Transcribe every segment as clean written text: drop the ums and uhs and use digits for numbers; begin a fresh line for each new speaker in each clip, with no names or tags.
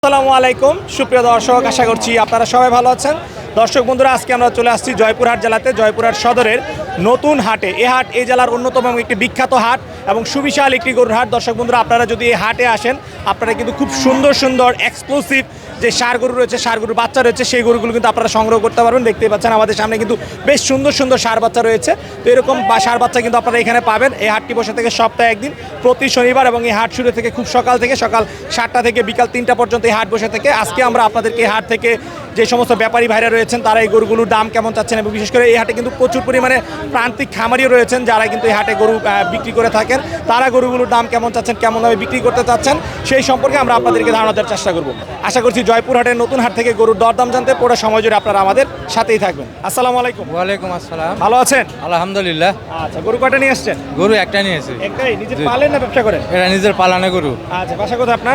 আসসালামু আলাইকুম সুপ্রিয় দর্শক, আশা করছি আপনারা সবাই ভালো আছেন। দর্শক বন্ধুরা, আজকে আমরা চলে আসছি জয়পুরহাট জেলাতে, জয়পুরহাট সদরের নতুন হাটে। এই হাট এই জেলার অন্যতম একটি বিখ্যাত হাট এবং সুবিশাল একটি গরুর হাট। দর্শক বন্ধুরা, আপনারা যদি এই হাটে আসেন, আপনারা কিন্তু খুব সুন্দর সুন্দর এক্সক্লুসিভ যে ষাঁড় গরু রয়েছে, ষাঁড় গরুর বাচ্চা রয়েছে, সেই গরুগুলো কিন্তু আপনারা সংগ্রহ করতে পারবেন। দেখতেই পাচ্ছেন আমাদের সামনে কিন্তু বেশ সুন্দর সুন্দর ষাঁড় বাচ্চা রয়েছে। তো এরকম ষাঁড় বাচ্চা কিন্তু আপনারা এখানে পাবেন। এই হাটটি বসে থেকে সপ্তাহে একদিন, প্রতি শনিবার, এবং এই হাট শুরু থেকে খুব সকাল 7টা থেকে বিকাল 3টা পর্যন্ত এই হাট বসে থেকে। আজকে আমরা আপনাদেরকে এই হাট থেকে যে সমস্ত ব্যাপারী ভাইরা রয়েছেন তারা এই গরুগুলোর দাম কেমন চাচ্ছেন, এবং বিশেষ করে এই হাটে কিন্তু প্রচুর পরিমাণে প্রান্তিক খামারিও রয়েছেন যারা কিন্তু এই হাটে গরু বিক্রি করে থাকেন। তারা গরুগুলোর দাম কেমন চাচ্ছেন, কেমনভাবে বিক্রি করতে চাচ্ছেন, সেই সম্পর্কে আমরা আপনাদেরকে ধারণা দেওয়ার চেষ্টা করব। আশা করছি জয়পুরহাটের নতুন হাট থেকে গরুর দরদাম জানতে পুরো সময় জুড়ে আপনারা আমাদের সাথেই থাকবেন। আসসালামু আলাইকুম।
ওয়ালাইকুম আসসালাম।
ভালো আছেন?
আলহামদুলিল্লাহ।
আচ্ছা, গরু কয়টা নিয়ে আসছেন?
গরু একটা নিয়েছি।
একটাই? নিজের পালেন না ব্যবসা করেন?
এটা নিজের পালানে গরু।
আচ্ছা, বাসা কোথায় আপনার?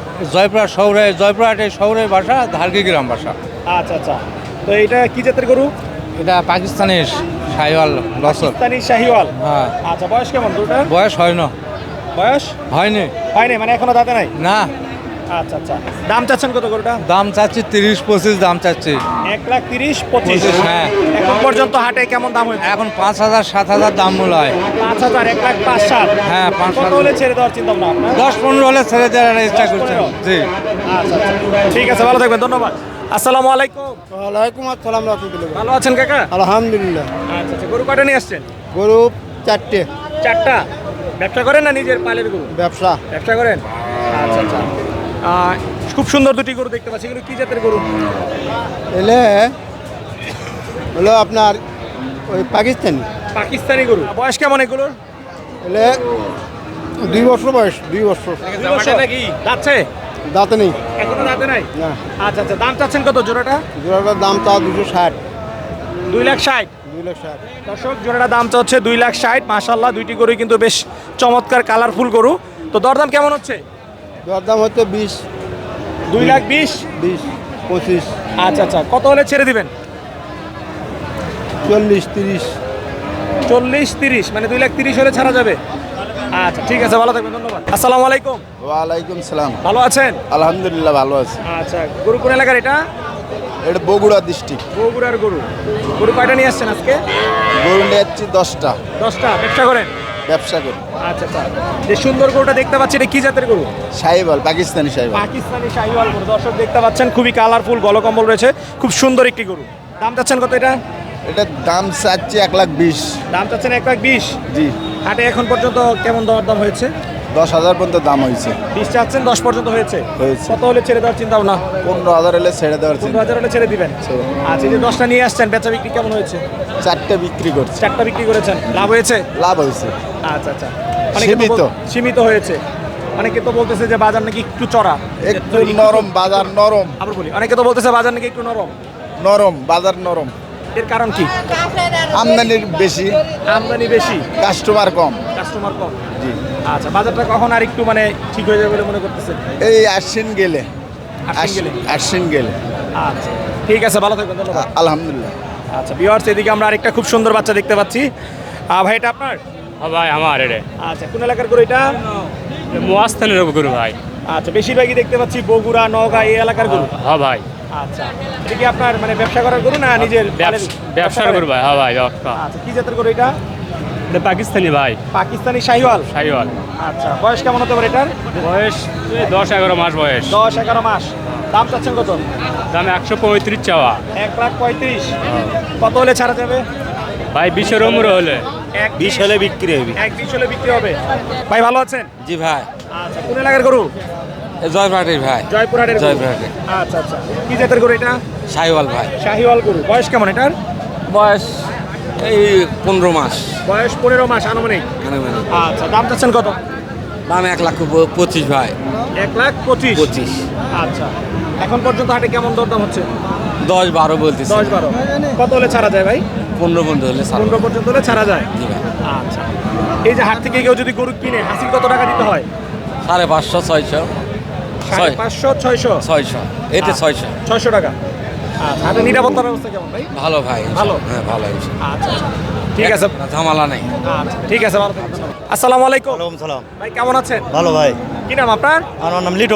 জয়পুরহাটের শহরের বাসা, ধারকি গ্রাম বাসা।
আচ্ছা আচ্ছা, তো এটা কি জাতের গরু?
এটা পাকিস্তানের শাহিওয়াল লসর।
পাকিস্তানি শাহিওয়াল।
হ্যাঁ।
আচ্ছা, বয়স কেমন গরুটা?
বয়স হয় না।
বয়স
হয়নি।
হয়নি মানে এখনো দাঁতে নাই?
না।
আচ্ছা আচ্ছা, দাম চাচ্ছেন কত গরুটা?
দাম চাচ্ছি 30-25 দাম চাচ্ছি।
1,30,25,000।
হ্যাঁ।
এখন পর্যন্ত হাটে কেমন দাম হয়েছে?
এখন 5,000-7,000 দাম মূল্য হয়।
5,000, 1,05,000।
হ্যাঁ,
কত
5,000
হলে ছেড়ে দেওয়ার চিন্তা ভাবনা আপনার?
10-15 হলে ছেড়ে দেওয়ার ইচ্ছা
10-15
করছেন। জি।
আচ্ছা আচ্ছা, ঠিক আছে, ভালো থাকবেন, ধন্যবাদ। আসসালামু আলাইকুম।
ওয়ালাইকুম আসসালাম রাহমাতুল্লাহ।
ভালো আছেন কাকা?
আলহামদুলিল্লাহ।
আচ্ছা আচ্ছা, গরু কয়টা নিয়ে আসছেন?
গরু 4টে।
4টা? ব্যবসা করেন না নিজের পালের গরু?
ব্যবসা।
ব্যবসা করেন? আচ্ছা আচ্ছা, খুব সুন্দর দুটি গরু দেখতে পাচ্ছি। এগুলো কি জাতের গরু?
এলে হলো আপনার ওই পাকিস্তানি।
পাকিস্তানি গরু। বয়স কেমন এগুলোর?
এলে 2 বছর বয়স, 2 বছর।
নাকি যাচ্ছে?
দাঁতে নেই।
এখনো দাঁতে নাই?
না।
আচ্ছা আচ্ছা, দাম চাচ্ছেন কত জোড়াটা?
জোড়াটার দাম তা 260।
2,60,000।
260।
দর্শক, জোড়াটা দাম চাচ্ছে 2,60,000। মাশাআল্লাহ, দুইটি গরুই কিন্তু বেশ চমৎকার কালারফুল গরু। তো দরদাম কেমন হচ্ছে?
দরদাম হচ্ছে 20,
2,20,000।
20, 25,
আচ্ছা আচ্ছা, কত হলে ছেড়ে দিবেন?
40, 30।
40-30, মানে 2,30,000 হলে ছাড়া যাবে। আচ্ছা, ঠিক আছে, ভালো থাকবেন, ধন্যবাদ। আসসালামু আলাইকুম।
ওয়ালাইকুম সালাম।
ভালো আছেন?
আলহামদুলিল্লাহ ভালো আছি।
আচ্ছা, গরু কোন এলাকার এটা?
এটা বগুড়া ডিস্ট্রিক্ট।
বগুড়ার গরু। গরু কয়টা নিয়ে আসছেন আজকে?
গরু নিয়ে যাচ্ছি 10টা।
10টা? ব্যবসা করেন?
ব্যবসা করি।
আচ্ছা আচ্ছা, যে সুন্দর গরুটা দেখতে পাচ্ছি, এটা কি জাতের গরু?
শাহিওয়াল, পাকিস্তানি শাহিওয়াল।
পাকিস্তানি শাহিওয়াল গরু। দর্শক দেখতে পাচ্ছেন, খুবই কালারফুল, গলকম্বল রয়েছে, খুব সুন্দর একটি গরু। দাম চাচ্ছেন কত এটা?
এটার দাম চাচ্ছি 1,20,000।
দাম চাচ্ছেন 1,20,000।
জি।
হাটে এখন পর্যন্ত কেমন দরদাম হয়েছে?
10,000 পর্যন্ত দাম হয়েছে।
20 চাচ্ছেন, 10 পর্যন্ত হয়েছে।
হয়েছে।
কত হলে ছেড়ে দেওয়ার চিন্তা ভাবনা?
15,000 হলে ছেড়ে দেওয়ার চিন্তা।
15,000 হলে ছেড়ে দিবেন।
ছেড়ে।
আচ্ছা, এই যে 10টা নিয়ে আসছেন, বেচা বিক্রি কেমন হয়েছে?
4টে বিক্রি করছে।
4টা বিক্রি করেছেন, লাভ হয়েছে?
লাভ হয়েছে।
আচ্ছা আচ্ছা, অনেকে তো
সীমিত।
সীমিত হয়েছে। অনেকে তো বলতেছে যে বাজার নাকি একটু চড়া,
একটু নরম বাজার, নরম
আবার বলি, অনেকে তো বলতেছে বাজার নাকি একটু নরম।
নরম বাজার, নরম।
এর কারণ কি?
আমদানির বেশি,
আমদানি বেশি,
কাস্টমার কম।
কাস্টমার কম।
জি।
আচ্ছা, বাজারটা কখন আর একটু মানে ঠিক হয়ে যাবে বলে মনে করতেছেন?
এই আশ্বিন গেলে।
আশ্বিন গেলে।
আশ্বিন গেলে।
আচ্ছা, ঠিক আছে, ভালো থাকবেন, ধন্যবাদ।
আলহামদুলিল্লাহ।
আচ্ছা ভিউয়ার্স, এদিকে আমরা আরেকটা খুব সুন্দর বাচ্চা দেখতে পাচ্ছি। ভাই, এটা আপনার?
ভাই আমার এটা
আচ্ছা, কোন এলাকার গরু এটা?
মহাস্থানের গরু ভাই।
আচ্ছা, বেশিরভাগই দেখতে পাচ্ছি বগুড়া, নওগাঁ এই এলাকার গরু।
হ্যাঁ ভাই,
আচ্ছা, এটা কি আপনার মানে ব্যবসা করার গরু না নিজের
ব্যবসার গরু ভাই। হ্যাঁ ভাই, ব্যবসা।
আচ্ছা, কি জাতের গরু এটা?
এটা পাকিস্তানি ভাই,
পাকিস্তানি শাহিওয়াল।
শাহিওয়াল।
আচ্ছা, বয়স কেমন হতে পারে এটার?
বয়স 10-11 মাস বয়স।
10-11 মাস। দাম চাচ্ছেন কত?
দাম 135 চাওয়া।
1,35,000। কত হলে ছাড়া যাবে?
ভাই 20-এর ওমর হলে।
20 হলে বিক্রি হবে। 1,20,000 হলে বিক্রি হবে। ভাই, ভালো আছেন?
জি ভাই।
আচ্ছা, কোন এলাকার গরু?
জয়পুরহাটের ভাই।
জয়পুরহাটের গরু।
জয়পুরহাটের।
আচ্ছা আচ্ছা, কি জাতের গরু এটা?
শাহিওয়াল ভাই।
শাহিওয়াল গরু। বয়স কেমন এটার?
বয়স এই 15 মাস।
বয়স 15 মাস আনুমানিক। আচ্ছা, দাম চাচ্ছেন কত?
দাম 1,25,000 ভাই।
1,25,000।
25।
আচ্ছা, এখন পর্যন্ত হাটে কেমন দরদাম হচ্ছে?
10-12 বলতেছি।
10-12। কত হলে ছাড়া যায় ভাই?
15 পর্যন্ত হলে ছাড়বো।
15 পর্যন্ত হলে ছাড়া যায়।
জি ভাই।
আচ্ছা, এই যে হাট থেকে কেউ যদি গরু কিনে, হাসিল কত টাকা দিতে হয়?
550-600।
550-600।
600। এতে 600।
600 টাকা। আচ্ছা, হাটের নিরাপত্তার ব্যবস্থা কেমন ভাই?
ভালো ভাই।
ভালো?
হ্যাঁ ভালো।
আচ্ছা আচ্ছা, ঠিক আছে,
ঝামেলা নেই।
আচ্ছা ঠিক আছে, ভালো থাকবেন। আসসালামু আলাইকুম।
ওয়ালাইকুম সালাম।
ভাই, কেমন আছেন?
ভালো ভাই।
কি নাম আপনার?
আমার নাম লিটন।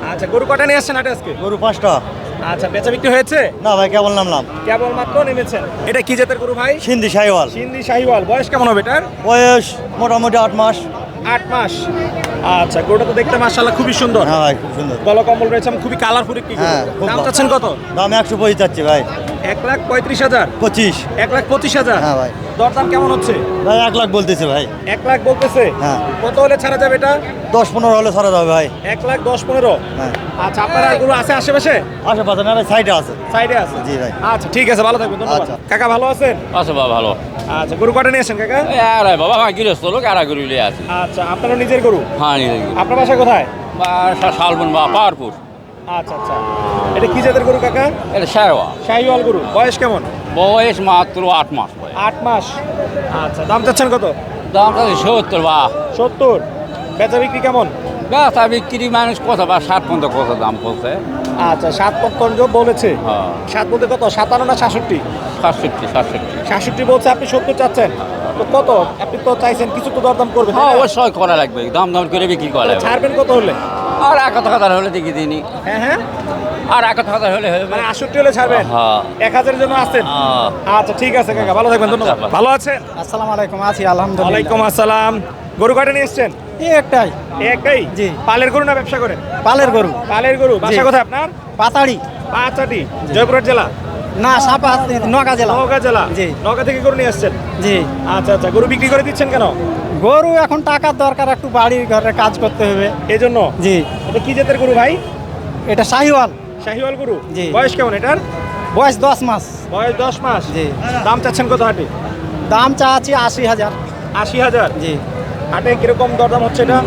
আচ্ছা, গরু কটা নিয়ে আসছেন হাটে আজকে?
গরু 5টা।
আচ্ছা, বেচা বিক্রি হয়েছে?
না ভাই, কেবল নামলাম।
কেবল মাত্র নেমেছেন। এটা কি জাতের গরু ভাই?
সিন্ধি শাহিওয়াল।
সিন্ধি শাহিওয়াল। বয়স কেমন হবে এটার?
বয়স মোটামুটি 8 মাস।
8 মাস। আচ্ছা, গরুটা তো দেখতে মাশাআল্লাহ খুবই সুন্দর।
হ্যাঁ ভাই, খুব সুন্দর।
গলা কম্বল রয়েছে, খুবই কালারফুল একটি গরু।
হ্যাঁ, খুব
দাম
ভালো।
চাচ্ছেন কত?
দাম 125 যাচ্ছে ভাই।
1,35,000।
25।
1,25,000।
হ্যাঁ ভাই।
দরদাম কেমন হচ্ছে?
ভাই 1 লাখ বলতেছে ভাই।
1 লাখ বলতেছে।
হ্যাঁ।
কত হলে ছাড়া যাবে এটা?
10-15 হলে ছাড়া যাবে ভাই।
1,10,15,000।
হ্যাঁ।
আচ্ছা, আপনার আর গরু আছে আশেপাশে?
আশেপাশে না ভাই, সাইডে আছে।
সাইডে আছে?
জি ভাই।
আচ্ছা, ঠিক আছে, ভালো থাকবেন, ধন্যবাদ।
আচ্ছা।
কাকা ভালো আছেন?
আচ্ছা বাবা ভালো।
আচ্ছা, গরু কটা নিয়েছেন কাকা?
আরে বাবা ভাই গৃহস্থ লোক আর গরুলে আছে।
আচ্ছা, আপনারও নিজের গরু?
হ্যাঁ নিজে
আপনার বাসা কোথায়?
শালবন বা পাওয়ারপুর।
আচ্ছা আচ্ছা, এটা কি জাতের গরু কাকা?
এটা শেরওয়া।
শাহিওয়াল গরু। বয়স কেমন?
বয়স মাত্র 8 মাস বয়স।
8 মাস। আচ্ছা, দাম চাচ্ছেন কত?
দামটা 70 বা
70। বেচা বিক্রি কেমন?
ব্যবসা বিক্রি মানুষ কত বা 60 পর্যন্ত কত দাম বলছে।
আচ্ছা, 7 বলেছে।
হ্যাঁ
7 বলতে কত? 57 না 66?
67।
66 বলছে, আপনি 70 চাচ্ছেন। তো কত? আপনি তো চাইছেন কিছু তো দরদাম করবেন, তাই
হ্যাঁ
না?
অবশ্যই করা লাগবে, দাম দাম করে বিক্রি করা লাগবে।
ছাড়বেন কত হলে?
আর 1,000 হলে দেখি দিনই।
হ্যাঁ হ্যাঁ,
আর 1,000 হলে হবে।
মানে 68 হলে ছাড়বেন?
হ্যাঁ
1000 জন্য আছেন? আচ্ছা, ঠিক আছে কাকা, ভালো থাকবেন, ধন্যবাদ।
আচ্ছা।
ভালো আছেন?
আসসালামু আলাইকুম। আছি আলহামদুলিল্লাহ।
ওয়ালাইকুম আসসালাম। গরু কয়টা নিয়ে এসছেন?
এই একটাই।
এই একটাই?
জি।
পালের গরু না ব্যবসা করেন?
পালের গরু।
পালের গরু। বাসা কোথায় আপনার?
পাতাড়ি।
পাঁচাটি, জয়পুরহাট জেলা?
না, সাপা নগা জেলা।
নওগাঁ জেলা?
জি।
নওগাঁ থেকে গরু নিয়ে আসছেন?
জি।
আচ্ছা আচ্ছা, গরু বিক্রি করে দিচ্ছেন কেন?
গরু এখন টাকার দরকার, একটু বাড়ির ঘরে কাজ করতে হবে।
এই জন্য?
জি।
এটা কি জাতের গরু ভাই?
এটা শাহিওয়াল।
শাহিওয়াল গরু।
জি।
বয়স কেমন এটার?
বয়স 10 মাস।
বয়স 10 মাস।
জি।
দাম চাচ্ছেন কত হাটে?
দাম চাচ্ছি 80,000।
80,000।
জি।
হাটে কিরকম দরদাম হচ্ছে এটা?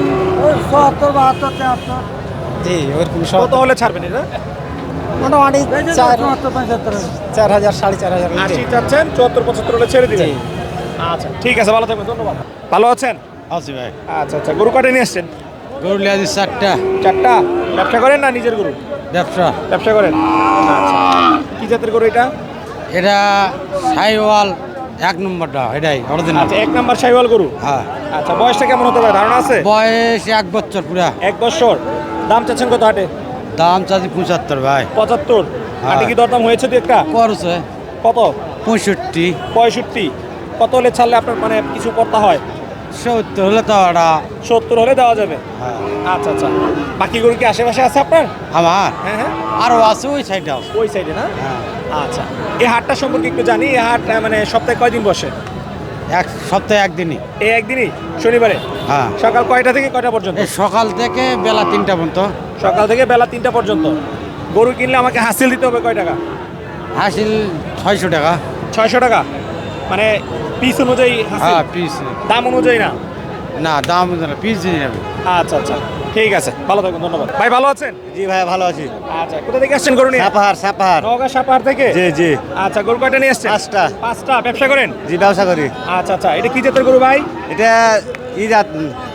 70, 72, 73। জি, ওরকম সব।
কত হলে ছাড়বেন এটা?
মোটামুটি 4,000, 4,500।
80 চাচ্ছেন, 74-75 হলে ছেড়ে দিবেন?
জি।
আচ্ছা, ঠিক আছে, ভালো থাকবেন, ধন্যবাদ। ভালো আছেন?
আছি ভাই।
আচ্ছা আচ্ছা, গরু কয়টা নিয়ে আসছেন?
গরু লিয়ে আছি 4টা।
4টা। ব্যবসা করেন না নিজের গরু?
ব্যবসা।
ব্যবসা করেন। আচ্ছা, কি জাতের গরু এটা?
এটা শাহিওয়াল 1 নম্বরটা, এটাই অরিজিনাল।
আচ্ছা, 1 নাম্বার শাহিওয়াল গরু।
হ্যাঁ।
আচ্ছা, বয়সটা কেমন হতে পারে, ধারণা আছে?
বয়স 1 বছর পুরা।
1 বছর। দাম চাচ্ছেন কত হাটে?
দাম চাচ্ছি 75 ভাই।
75।
হ্যাঁ।
হাটে কি দরদাম হয়েছে দু একটা?
করছে
কত?
65।
65। কত হলে ছাড়লে আপনার মানে কিছু করতে হয়?
70 হলে তো ওটা।
70 হলে দেওয়া যাবে।
হ্যাঁ।
আচ্ছা আচ্ছা, বাকি গরু কি আশেপাশে আছে আপনার?
আমার
হ্যাঁ হ্যাঁ,
আরও আছে, ওই সাইডে আছে।
ওই সাইডে না?
হ্যাঁ।
আচ্ছা, এই হাটটা সম্পর্কে একটু জানি। এই হাট মানে সপ্তাহে কয়দিন বসে?
এক সপ্তাহে একদিনই।
এই একদিনই, শনিবারে?
হ্যাঁ।
সকাল কয়টা থেকে কয়টা পর্যন্ত?
এই সকাল থেকে বেলা 3টা পর্যন্ত।
সকাল থেকে বেলা 3টা পর্যন্ত। গরু কিনলে আমাকে হাসিল দিতে হবে কয় টাকা?
হাসিল 600 টাকা।
600 টাকা? মানে পিস অনুযায়ী হাসিল?
হ্যাঁ, পিস।
দাম অনুযায়ী না?
না, দাম পিস দিয়ে যাবে।
আচ্ছা আচ্ছা, ঠিক আছে, ভালো থাকবেন, ধন্যবাদ। ভাই ভালো আছেন?
জি ভাই, ভালো আছি।
আচ্ছা, কোথা থেকে আসছেন গরু নিয়ে?
সাপাহার।
নওগাঁ সাপাহার থেকে?
জি জি।
আচ্ছা, গরু কয়টা নিয়ে আসছেন?
5টা।
5টা। ব্যবসা করেন?
জি, ব্যবসা করি।
আচ্ছা আচ্ছা, এটা কি জাতের গরু ভাই?
এটা জাত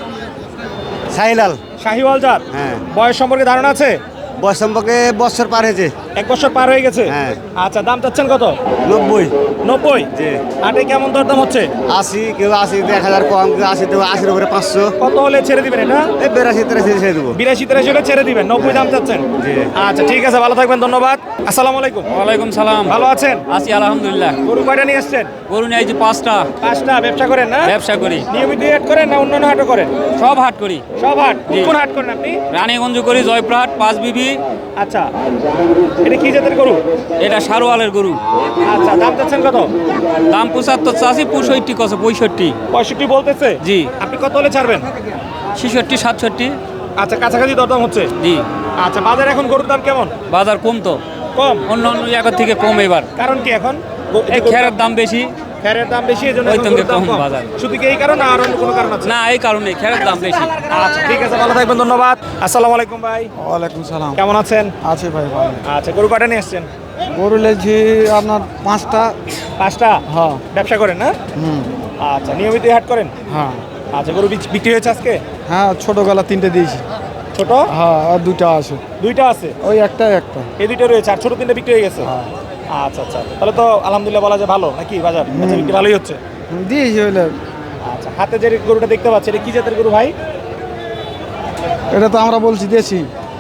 শাহিলাল।
শাহিওয়াল জাত?
হ্যাঁ।
বয়স সম্পর্কে ধারণা আছে?
বয়স সম্পর্কে বছর পার হয়েছে।
1 বছর পার হয়ে গেছে?
হ্যাঁ।
আচ্ছা, দাম চাচ্ছেন কত?
90।
90?
জি।
হাটে কেমন দরদাম হচ্ছে?
80, কেউ 80, 1000 কম, কেউ 80 দেবো, 80 উপরে 500।
কত হলে ছেড়ে দিবেন এটা?
এই 82, 83 ছেড়ে দেবো।
82-83 হলে ছেড়ে দিবেন? 90 দাম চাচ্ছেন?
জি।
আচ্ছা, ঠিক আছে, ভালো থাকবেন, ধন্যবাদ। আসসালামু আলাইকুম।
ওয়ালাইকুম সালাম।
ভালো আছেন?
আছি আলহামদুলিল্লাহ।
গরু কয়টা নিয়ে আসছেন?
গরু নিয়ে আইছি 5টা।
5টা। ব্যবসা করেন না?
ব্যবসা করি,
নিয়মিত হাট করেন না অন্যান্য হাটও করেন?
সব হাট করি।
সব হাট?
জি।
কোন হাট করেন আপনি?
রানীগঞ্জ করি, জয়পুরহাট, 5 বিবি।
আচ্ছা, এটা কি জাতের গরু?
এটা সারোয়ালের গরু।
আচ্ছা, দাম চাচ্ছেন কত?
দাম 75 চাষি, 65 কছে, 65।
65 বলতেছে?
জি।
আপনি কত হলে ছাড়বেন?
66, 67।
আচ্ছা, কাছাকাছি দরদাম হচ্ছে?
জি।
আচ্ছা, বাজারে এখন গরুর দাম কেমন?
বাজার কম তো,
কম?
অন্য অন্য জায়গার থেকে কম এবার।
কারণ কি এখন?
এই খেরের দাম বেশি।
খেরের দাম বেশি, এই জন্য
ওই
এখন
সঙ্গে
গরুর দাম
কম
কম।
বাজার।
শুধু কি এই কারণ আর অন্য কোনো কারণ আছে?
না, এই কারণে খেরের দাম বেশি।
আচ্ছা, ঠিক আছে, ভালো থাকবেন, ধন্যবাদ। আসসালামু আলাইকুম ভাই।
ওয়ালাইকুম সালাম।
কেমন আছেন?
আছে ভাই, ভালো।
আচ্ছা, গরু কয়টা নিয়ে এসছেন?
গরু লেছি আপনার 5টা।
5টা?
হ্যাঁ।
ব্যবসা করেন না?
হুম।
আচ্ছা, নিয়মিত হাট করেন?
হ্যাঁ।
আচ্ছা, গরু বিক্রি হয়েছে আজকে?
হ্যাঁ, ছোট গলা 3টে দিয়েছি।
ছোট?
হ্যাঁ, আর 2টা আছে।
2টা আছে?
ওই একটা।
এই 2টা রয়েছে, আর ছোট 3টে বিক্রি হয়ে গেছে?
হ্যাঁ।
আচ্ছা আচ্ছা, তাহলে তো আলহামদুলিল্লাহ বলা যায় ভালো নাকি বাজার? বেচা বিক্রি ভালোই হচ্ছে?
দিয়েছি হইলে।
আচ্ছা, হাতে যে গরুটা দেখতে পাচ্ছি, এটা কি জাতের গরু ভাই?
এটা তো আমরা বলছি দেশি।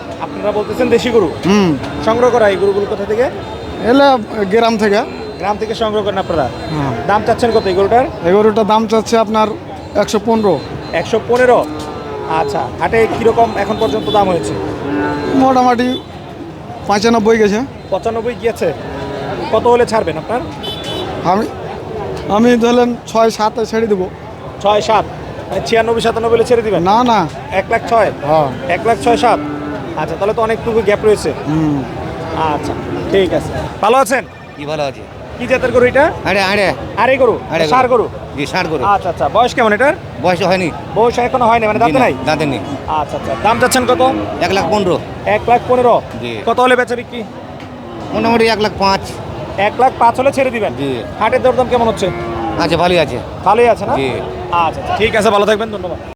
আপনারা বলতেছেন দেশি গরু
হুম
সংগ্রহ করা এই গরুগুলো কোথা থেকে?
এলে গ্রাম থেকে।
গ্রাম থেকে সংগ্রহ করেন আপনারা।
হ্যাঁ
দাম চাচ্ছেন কত এই গরুটার?
এই গরুটার দাম চাচ্ছে আপনার 115।
115। আচ্ছা, হাটে কিরকম এখন পর্যন্ত দাম হয়েছে?
মোটামুটি 95 গেছে।
95 গিয়েছে। কত হলে ছাড়বেন আপনার?
আমি আমি ধরলেন 6-7 ছেড়ে দেবো।
6-7 96-97 হলে ছেড়ে দিবেন?
না না
1,06,000।
হ্যাঁ
1,06,7। আচ্ছা, তাহলে তো অনেকটুকু গ্যাপ রয়েছে।
হুম
আচ্ছা, ঠিক আছে। ভালো আছেন?
কি ভালো আছে?
কি জাতের গরু এটা?
আরে আরে
আরে গরু,
আরে
ষাঁড় গরু।
জি 60 করে
আচ্ছা আচ্ছা, বয়স কেমন এটার?
বয়স হয়নি।
বয়স এখনো হয়নি, মানে দাঁতে নাই?
দাঁতে নেই।
আচ্ছা আচ্ছা, দাম চাচ্ছেন কত?
1,15,000।
1,15,000।
জি।
কত হলে বেচা বিক্রি?
মোটামুটি 1,05,000।
1,05,000 হলে ছেড়ে দিবেন?
জি।
হাটের দরদাম কেমন হচ্ছে?
আচ্ছা ভালোই আছে।
ভালোই আছে না?
জি।
আচ্ছা আচ্ছা, ঠিক আছে, ভালো থাকবেন, ধন্যবাদ।